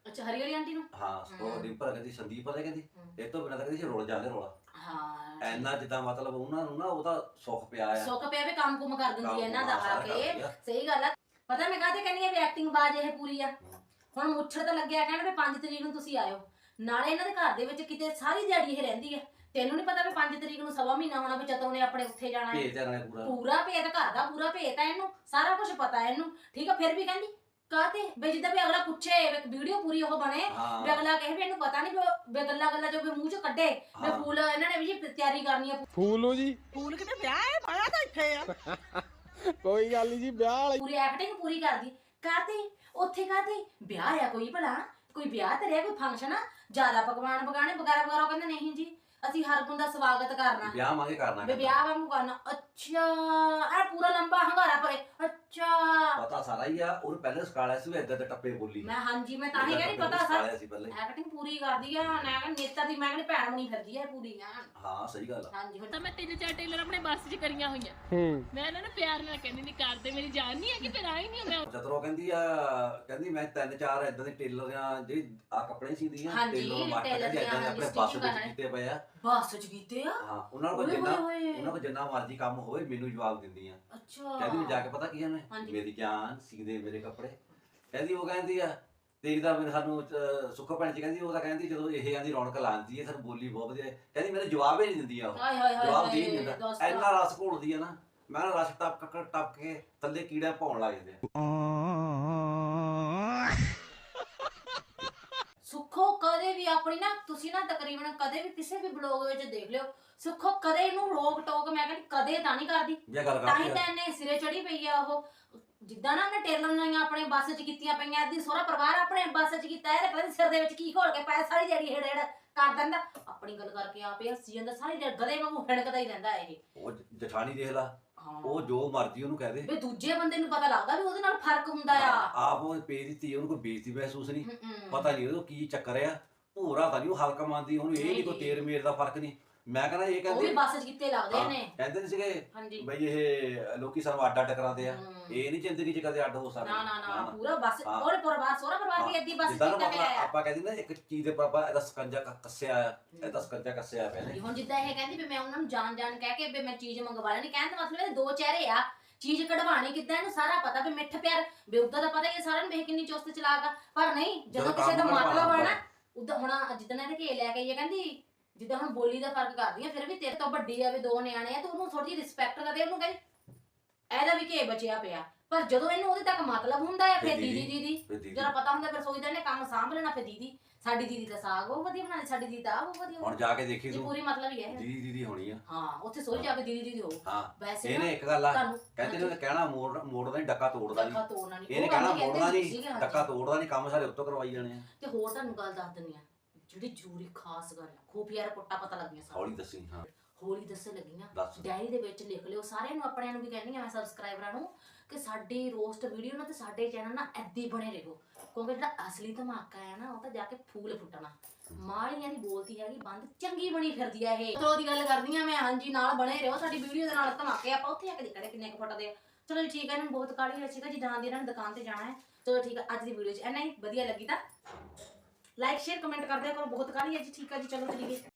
S1: ਅੱਛਾ ਹਰੀ ਵਾਲੀ ਆਂਟੀ ਨੂੰ
S2: ਹਾਂ ਉਹ
S1: ਹਮ।
S2: ਡਿੰਪਲ ਕਹਿੰਦੀ ਸੰਦੀਪ ਪਤਾ ਕਹਿੰਦੀ
S1: ਹਮ।
S2: ਇਹ ਤੋਂ ਬਿਨਾਂ ਤਾਂ ਕਹਿੰਦੀ ਸੀ ਰੋਲ ਜਾਂਦੇ ਰੋਲਾ
S1: ਹਾਂ
S2: ਐਨਾ ਜਿੱਦਾਂ ਮਤਲਬ ਉਹਨਾਂ ਨੂੰ ਨਾ ਉਹਦਾ ਸੁੱਖ ਪਿਆ ਆ
S1: ਸੁੱਕ ਪਿਆ ਵੀ ਕੰਮ ਕੁਮ ਕਰ ਦਿੰਦੀ ਹੈ ਇਹਨਾਂ ਦਾ
S2: ਕੰਮ
S1: ਆ
S2: ਸਾਰਾ
S1: ਕੇ
S2: ਕਰਦੀ ਆ।
S1: ਸਹੀ ਗੱਲ ਆ ਪਤਾ ਮੈਂ ਕਾਹਤੇ ਕਹਿੰਦੀ ਆ ਵੀ ਐਕਟਿੰਗ ਬਾਜ ਇਹ ਪੂਰੀ ਆ ਹੁਣ ਮੁੱਛੜ ਤਾਂ ਲੱਗਿਆ ਕਹਿਣ ਵੀ ਪੰਜ ਤਰੀਕ ਨੂੰ ਤੁਸੀਂ ਆਇਓ ਨਾਲੇ ਇਹਨਾਂ ਦੇ ਘਰ ਦੇ ਵਿੱਚ ਕਿਤੇ ਸਾਰੀ ਦਿਹਾੜੀ ਇਹ ਰਹਿੰਦੀ ਆ ਤੈਨੂੰ ਨਹੀਂ ਪਤਾ ਵੀ ਪੰਜ ਤਰੀਕ ਨੂੰ ਸਵਾ ਮਹੀਨਾ ਹੋਣਾ ਵੀ ਚਤੋਂ ਨੇ ਆਪਣੇ ਉੱਥੇ ਜਾਣਾ ਹੈ
S2: ਭੇਜ ਤੇ ਨਾਲੇ ਪੂਰਾ
S1: ਪੂਰਾ ਭੇਤ ਘਰ ਦਾ ਪੂਰਾ ਭੇਤ ਆ ਇਹਨੂੰ ਸਾਰਾ ਕੁਝ ਪਤਾ ਹੈ ਇਹਨੂੰ ਠੀਕ ਆ ਫਿਰ ਵੀ ਕਹਿੰਦੀ ਕਾਹਤੇ ਵੀ ਜਿੱਦਾਂ ਵੀ ਅਗਲਾ ਪੁੱਛੇ ਵੀਡੀਓ ਪੂਰੀ ਉਹ ਬਣੇ ਵੀ
S2: ਹਾਂ
S1: ਅਗਲਾ ਕਹੇ ਵੀ ਇਹਨੂੰ ਪਤਾ ਨਹੀਂ ਵੀ ਗੱਲਾਂ ਗੱਲਾਂ ਜੋ ਵੀ ਮੂੰਹ ਚੋਂ ਕੱਢੇ ਵੀ
S2: ਹਾਂ।
S1: ਫੂਲ ਇਹਨਾਂ ਨੇ ਵੀ ਜੀ ਤਿਆਰੀ ਕਰਨੀ ਆ
S3: ਫੂਲੂ ਜੀ
S5: ਫੂਲ ਕਿਤੇ ਵਿਆਹ ਹੈ ਮੈਂ ਤਾਂ ਇੱਥੇ ਆ
S3: ਕੋਈ ਗੱਲ ਨਹੀਂ ਜੀ ਵਿਆਹ ਵਾਲੀ
S1: ਪੂਰੀ ਐਕਟਿੰਗ ਪੂਰੀ ਕਰਦੀ ਕਾਹਤੇ ਉੱਥੇ ਕਾਹਤੇ ਵਿਆਹ ਆ ਕੋਈ ਭਲਾ ਕੋਈ ਵਿਆਹ ਤੇ ਰਿਹਾ ਕੋਈ ਫੰਕਸ਼ਨ ਆ ਜ਼ਿਆਦਾ ਪਕਵਾਨ ਪਕਾਣੇ ਵਗੈਰਾ ਵਗੈਰਾ ਉਹ ਕਹਿੰਦੇ ਨਹੀਂ ਜੀ ਅਸੀਂ ਹਰ ਗੁਣ ਦਾ ਸਵਾਗਤ ਕਰਨਾ
S2: ਵਿਆਹ ਮੰਗੇ ਕਰਨਾ
S1: ਵੀ ਵਿਆਹ ਵਾਂਗੂ ਕਰਨਾ ਅੱਛਾ ਆ ਪੂਰਾ ਲੰਬਾ ਹੰਗਾਰਾ ਪਰੇ ਅੱਛਾ
S2: ਪਤਾ ਸਾਰਾ ਹੀ ਆ ਉਹਨੂੰ ਪਹਿਲੇ ਸਕਾਲਿਆ ਸੀ ਵੀ ਏਦਾਂ ਦੇ ਟੱਪੇ ਬੋਲੀ
S1: ਮੈਂ ਹਾਂਜੀ ਮੈਂ ਤਾਂ ਹੀ
S2: ਏਦਾਂ
S1: ਕਹਿੰਦੀ
S2: ਟੱਪੇ
S1: ਪਤਾ ਸਰ
S2: ਸਕਾਲਿਆ ਸੀ ਪਹਿਲੇ
S1: ਐਕਟਿੰਗ ਪੂਰੀ ਕਰਦੀ ਆ ਮੈਂ ਕਹਿੰਦੀ ਨੇਤਾ ਦੀ ਮੈਂ ਕਹਿੰਦੀ ਭੈਣ ਬਣੀ ਫਿਰਦੀ ਆ ਇਹ ਪੂਰੀ ਆ
S2: ਹਾਂ ਸਹੀ ਗੱਲ ਆ
S1: ਹਾਂਜੀ ਹੁਣ
S4: ਤਾਂ ਮੈਂ ਤਿੰਨ ਚਾਰ ਟੇਲਰ ਆਪਣੇ ਬੱਸ 'ਚ ਕਰੀਆਂ ਹੋਈਆਂ
S3: ਹੂੰ
S4: ਮੈਂ ਇਹਨਾਂ ਨੂੰ ਪਿਆਰ ਨਾਲ ਕਹਿੰਦੀ ਨਹੀਂ ਕਰਦੇ ਮੇਰੀ ਜਾਨ ਨਹੀਂ ਹੈ ਕਿ ਫਿਰ ਆਈ ਨਹੀਂ ਮੈਂ
S2: ਚਤਰੋ ਕਹਿੰਦੀ ਆ ਕਹਿੰਦੀ ਮੈਂ ਤਿੰਨ ਚਾਰ ਏਦਾਂ ਦੇ ਟੇਲਰ ਆ ਜਿਹੜੇ ਆ ਕੱਪੜੇ ਸੀਦੀਆਂ
S1: ਹਾਂਜੀ,
S2: ਟੇਲਰ ਮਾਰਕੀਟ
S1: ਟੇਲਰ
S2: ਦੇ ਏਦਾਂ ਦੇ
S1: ਦੀਆਂ,
S2: ਆਪਣੇ
S1: ਹਾਂਜੀ,
S2: ਬੱਸ
S1: stitching
S2: ਵਿੱਚ
S1: ਕਰਨਾ।
S2: ਕੀਤੇ ਪਏ ਆ
S1: ਬੱਸ ਚ ਕੀਤੇ ਆ
S2: ਹਾਂ ਉਹਨਾਂ ਨੂੰ
S1: ਓਏ
S2: ਜਿੰਨਾ
S1: ਹੋਏ ਹੋਏ।
S2: ਉਹਨਾਂ ਕੋਲ ਜਿੰਨਾ ਮਰਜ਼ੀ ਕੰਮ ਹੋਵੇ ਮੈਨੂੰ ਜਵਾਬ ਦਿੰਦੀਆਂ
S1: ਅੱਛਾ
S2: ਕਹਿੰਦੀ ਮੈਂ ਜਾ ਕੇ ਪਤਾ ਕੀ ਆ ਮੈਂ
S1: ਹਾਂਜੀ।
S2: ਮੇਰੀ ਜਾਨ ਸੀਦੇ ਮੇਰੇ ਕੱਪੜੇ ਕਹਿੰਦੀ ਉਹ ਕਹਿੰਦੀ ਆ ਤੇਰੀ ਤਾਂ ਮੈਨੂੰ ਸਾਨੂੰ ਅਹ, ਸੁੱਖਾ ਭੈਣ ਜੀ ਕਹਿੰਦੀ ਉਹ ਤਾਂ ਕਹਿੰਦੀ ਜਦੋਂ ਇਹ ਆਂਦੀ ਰੌਣਕ ਲਾਉਂਦੀ ਹੈ ਸਾਨੂੰ ਬੋਲੀ ਬਹੁਤ ਵਧੀਆ ਹੈ। ਕਹਿੰਦੀ ਮੈਨੂੰ ਜਵਾਬ ਹੀ ਨਹੀਂ ਦਿੰਦੀ ਆ ਉਹ
S1: ਹਾਏ ਹਾਏ ਹਾਏ
S2: ਜਵਾਬ ਦੇ ਹੀ
S1: ਹਾਏ,
S2: ਨਹੀਂ ਦਿੰਦਾ
S1: ਦੋਸਤੋ।
S2: ਇੰਨਾ ਰਸ ਘੋਲਦੀ ਆ ਨਾ ਮੈਂ ਨਾ ਰਸ ਟੱਪ ਟੱਪ ਟੱਪ ਕੇ ਥੱਲੇ ਕੀੜਾ ਪਾਉਣ ਲੱਗ ਜਾਂਦੇ ਆ
S1: ਸੁੱਖੋ ਕਦੇ ਵੀ ਆਪਣੀ ਨਾ ਤੁਸੀਂ ਨਾ ਤਕਰੀਬਨ ਕਦੇ ਵੀ ਕਿਸੇ ਵੀ ਬਲੌਗ ਵਿੱਚ ਦੇਖ ਲਿਓ ਸੁੱਖੋ ਕਦੇ ਇਹਨੂੰ ਰੋਕ ਟੋਕ ਮੈਂ ਕਹਿੰਦੀ ਕਦੇ ਤਾਂ ਨਹੀਂ ਕਰਦੀ
S2: ਜੇ ਗੱਲ
S1: ਤਾਂ ਹੀ
S2: ਕਰਦੀ
S1: ਤਾਂ
S2: ਆ
S1: ਇਹਨੇ ਸਿਰੇ ਚੜੀ ਪਈ ਆ ਉਹ ਜਿੱਦਾਂ ਨਾ ਉਹਨੇ ਟੇਲਰ ਨਾਈਆਂ ਆਪਣੇ ਬੱਸ 'ਚ ਕੀਤੀਆਂ ਪਈਆਂ ਅੱਧੀ ਸੋਹਰਾ ਪਰਿਵਾਰ ਆਪਣੇ ਬੱਸ 'ਚ ਕੀਤਾ ਇਹਦੇ ਪਤਾ ਨੀ ਸਿਰ ਦੇ ਵਿੱਚ ਕੀ ਘੋਲ ਕੇ ਪਾਇਆ ਸਾਰੀ ਜਿਹੜੀ ਹੇੜ ਹੇੜ ਕਰ ਦਿੰਦਾ ਆਪਣੀ ਗੱਲ ਕਰਕੇ ਆਪੇ ਹੱਸੀ ਜਾਂਦਾ ਸਾਰੀ ਦਿਹਾੜੀ ਗਧੇ ਵਾਂਗੂ ਹੜਕਦਾ ਹੀ ਰਹਿੰਦਾ ਇਹ
S2: ਉਹ ਜਠਾਣੀ ਦੇਖ ਲਾ
S1: ਹਾਂ
S2: ਉਹ ਜੋ ਮਰਜ਼ੀ ਉਹਨੂੰ ਕਹਿ ਦੇ
S1: ਵੀ ਦੂਜੇ ਬੰਦੇ ਨੂੰ ਪਤਾ ਲੱਗਦਾ ਵੀ ਉਹਦੇ ਨਾਲ ਫਰਕ ਹੁੰਦਾ ਆ
S2: ਆਪ ਉਹ ਪੇ ਦਿੱਤੀ ਉਹਨੂੰ ਕੋਈ ਬੇਇੱਜ਼ਤੀ ਮਹਿਸੂਸ ਨਹੀਂ
S1: ਹਮ, ਹਮ।
S2: ਪਤਾ ਨਹੀਂ ਉਹਨੂੰ ਕੀ ਚੱਕਰ ਆ ਭੂਰਾ ਤਾਂ ਨਹੀਂ ਉਹ ਹਲਕਾ ਮੰਨਦੀ ਉਹਨੂੰ ਇਹ ਨਹੀਂ ਕੋਈ ਤੇਰ ਮੇਰ ਦਾ ਫਰਕ ਨਹੀਂ ਮੈਂ ਕਹਿੰਦਾ ਇਹ
S1: ਉਹ ਵੀ
S2: ਕਹਿੰਦੇ
S1: ਬੱਸ 'ਚ ਕਿੱਤੇ ਲੱਗਦੇ
S2: ਹਾਂ,
S1: ਨੇ
S2: ਕਹਿੰਦੇ ਨਹੀਂ ਸੀਗੇ
S1: ਹਾਂਜੀ
S2: ਬਈ ਇਹ ਲੋਕੀ ਸਾਨੂੰ ਅੱਡ ਅੱਡ ਕਰਾਉਂਦੇ ਆ
S1: ਹਮ।
S2: ਇਹ ਨਹੀਂ ਜ਼ਿੰਦਗੀ 'ਚ ਕਦੇ ਅੱਡ ਹੋ ਸਕਦੇ
S1: ਨਾ ਨਾ ਨਾ ਪੂਰਾ ਬੱਸ
S2: ਹਾਂ।
S1: ਉਹਦੇ ਪਰਿਵਾਰ ਸੋਹਰਾ ਪਰਿਵਾਰ ਵੀ ਏਦੀ ਬੱਸ 'ਚ
S2: ਜਿੱਦਾਂ ਨਾ
S1: ਕੀਤਾ
S2: ਆਪਾਂ
S1: ਪਿਆ ਆ
S2: ਆਪਾਂ ਕਹਿੰਦੇ ਨਾ ਇੱਕ ਚੀਜ਼ ਦੇ ਪਾਪਾ ਇਹਦਾ ਸਕੰਜਾ ਕ- ਕੱਸਿਆ ਆ ਇਹਦਾ ਸਕੰਜਾ ਕੱਸਿਆ ਪਿਆ ਨੇ
S1: ਹੁਣ ਜਿੱਦਾਂ ਇਹ ਕਹਿੰਦੀ ਵੀ ਮੈਂ ਉਹਨਾਂ ਨੂੰ ਜਾਣ ਜਾਣ ਕਹਿ ਕੇ ਵੀ ਮੈਂ ਚੀਜ਼ ਮੰਗਵਾ ਲੈਣੀ ਕਹਿਣ ਦਾ ਮਤਲਬ ਇਹ ਦੋ ਚਿਹਰੇ ਆ ਚੀਜ਼ ਕਢਵਾਣੀ ਕਿੱਦਾਂ ਇਹਨੂੰ ਸਾਰਾ ਪਤਾ ਵੀ ਮਿੱਠ ਪਿਆਰ ਵੀ ਉਦਾਂ ਦਾ ਪਤਾ ਹੀ ਹੈ ਸਾਰਿਆਂ ਨੂੰ ਵੇਖ ਕਿੰਨੀ ਚੁਸਤ ਚਲਾਕ ਆ ਪਰ ਨਹੀਂ ਜਦੋਂ
S2: ਜਦੋਂ
S1: ਕਿਸੇ ਦਾ
S2: ਕੰਮ
S1: ਮਤਲਬ ਆ
S2: ਕਰਵਾਉਣਾ
S1: ਨਾ ਉਦਾਂ ਹੁਣ ਜਿੱਦਾਂ ਇਹਦੇ ਘੇ ਲੈ ਕੇ ਆਈ ਆ ਕਹਿੰਦੀ ਜਿੱਦਾਂ ਹੁਣ ਬੋਲੀ ਦਾ ਫਰਕ ਕਰਦੀ ਆ ਫਿਰ ਵੀ ਤੇਰੇ ਤੋਂ ਵੱਡੀ ਆ ਵੀ ਦੋ ਨਿਆਣੇ ਆ ਤੇ ਉਹਨੂੰ ਥੋੜੀ ਜਿਹੀ ਰਿਸਪੈਕਟ ਕਰਦੇ ਉਹਨੂੰ ਕਹਿੰਦੀ ਇਹਦਾ ਵੀ ਘੇ ਬਚਿਆ ਪਿਆ ਪਰ ਜਦੋਂ ਇਹਨੂੰ ਉਹਦੇ ਤੱਕ ਮਤਲਬ ਹੁੰਦਾ ਆ ਫਿਰ
S2: ਫਿਰ
S1: ਦੀਦੀ
S2: ਦੀਦੀ,
S1: ਦੀਦੀ
S2: ਫਿਰ ਦੀਦੀ।
S1: ਜਦੋਂ ਪਤਾ ਹੁੰਦਾ ਫਿਰ ਸੋਚਦਾ ਇਹਨੇ ਕੰਮ ਸਾਂਭ ਲੈਣਾ ਫਿਰ ਦੀਦੀ ਸਾਡੀ ਦੀਦੀ ਦਾ ਸਾਗ ਉਹ ਵਧੀਆ ਬਣਾਉਂਦੀ ਸਾਡੀ ਦੀਦੀ ਦਾ ਆਹ ਉਹ ਵਧੀਆ
S2: ਹੁਣ ਜਾ ਕੇ ਦੇਖੀ
S1: ਇਹ
S2: ਤੂੰ
S1: ਪੂਰੀ ਮਤਲਬ ਹੀ ਹੈ ਇਹ।
S2: ਦੀਦੀ ਦੀਦੀ ਹੋਣੀ ਆ
S1: ਹਾਂ ਉੱਥੇ ਸੋਚ ਜਾ ਕੇ ਦੀਦੀ ਦੀਦੀ ਹੋ
S2: ਹਾਂ
S1: ਵੈਸੇ ਨਾ
S2: ਇਹਨੇ ਇੱਕ ਗੱਲ ਆ
S1: ਤੁਹਾਨੂੰ
S2: ਕਹਿੰਦੇ ਨੇ ਕਹਿਣਾ ਮੋੜ ਮੋੜਦਾ ਨਹੀਂ ਡੱਕਾ ਤੋੜਦਾ ਨਹੀਂ
S1: ਡੱਕਾ ਤੋੜਨਾ ਨਹੀਂ
S2: ਇਹਨੇ ਕਹਿਣਾ ਮੋੜਨਾ ਨਹੀਂ ਡੱਕਾ ਤੋੜਦਾ ਨਹੀਂ ਕੰਮ ਸਾਰੇ ਉੱਤੋਂ ਕਰਵਾਈ ਜਾਣੇ ਆ
S1: ਤੇ ਹੋਰ ਤੁਹਾਨੂੰ ਗੱਲ ਦੱਸ ਦਿੰਨੀ ਆ ਜਿਹੜੀ ਜ਼ਰੂਰੀ ਖਾਸ ਗੱਲ ਆ ਖੂਫੀਆ ਰਿਪੋਰਟਾਂ ਪਤਾ ਲੱਗੀਆਂ ਸਾਨੂੰ
S2: ਹੌਲੀ ਦੱਸੀ ਹਾਂ
S1: ਹੌਲੀ ਦੱਸਣ ਲੱਗੀਆਂ
S2: ਦੱਸ
S1: ਡਾਇਰੀ ਦੇ ਵਿੱਚ ਲਿਖ ਲਿਓ ਸਾਰਿਆਂ ਨੂੰ ਆਪਣਿਆਂ ਨੂੰ ਵੀ ਕਹਿੰਦੀ ਆ ਮੈਂ ਸਬਸਕ੍ਰਾਈਬਰਾਂ ਨੂੰ ਕਿ ਸਾਡੀ ਰੋਸਟ ਵੀਡੀਓ ਨਾਲ ਤੇ ਸਾਡੇ ਚੈਨਲ ਨਾਲ ਏਦਾਂ ਹੀ ਬਣੇ ਰਹੋ ਕਿਉਂਕਿ ਜਿਹੜਾ ਅਸਲੀ ਧਮਾਕਾ ਹੈ ਨਾ ਉਹ ਤਾਂ ਜਾ ਕੇ ਫੂਲ ਫੁੱਟਣਾ ਮਾਲੀਆਂ ਦੀ ਬੋਲਤੀ ਹੈਗੀ ਬੰਦ ਚੰਗੀ ਬਣੀ ਫਿਰਦੀ ਆ ਇਹ ਚਲੋ ਦੀ ਗੱਲ ਕਰਦੀ ਆ ਮੈਂ ਹਾਂਜੀ ਨਾਲ ਬਣੇ ਰਹੋ ਸਾਡੀ ਵੀਡੀਓ ਦੇ ਨਾਲ ਧਮਾਕੇ ਆਪਾਂ ਉੱਥੇ ਆ ਕੇ ਦੇਖਣੇ ਕਿੰਨੇ ਕੁ ਫੁੱਟਦੇ ਆ ਚਲੋ ਜੀ ਠੀਕ ਹੈ ਇਹਨੂੰ ਬਹੁਤ ਕਾਹਲੀ ਹੈ ਠੀਕ ਹੈ ਜੀ ਜਾਂਦੀ ਇਹਨਾਂ ਨੇ ਦੁਕਾਨ ਤੇ ਜਾਣਾ ਹੈ ਚਲੋ ਠੀਕ ਹੈ ਅੱਜ ਦੀ ਵੀਡੀਓ 'ਚ ਇੰਨਾ ਹੀ ਵਧੀਆ ਲੱਗੀ ਤਾਂ ਲਾਈਕ ਸ਼ੇਅਰ ਕਮੈਂਟ ਕਰ ਦਿਆ ਕਰੋ ਬਹੁਤ ਕਾਹਲੀ ਹੈ ਜੀ ਠੀਕ ਹੈ ਜੀ ਚਲੋ ਚਲੀਏ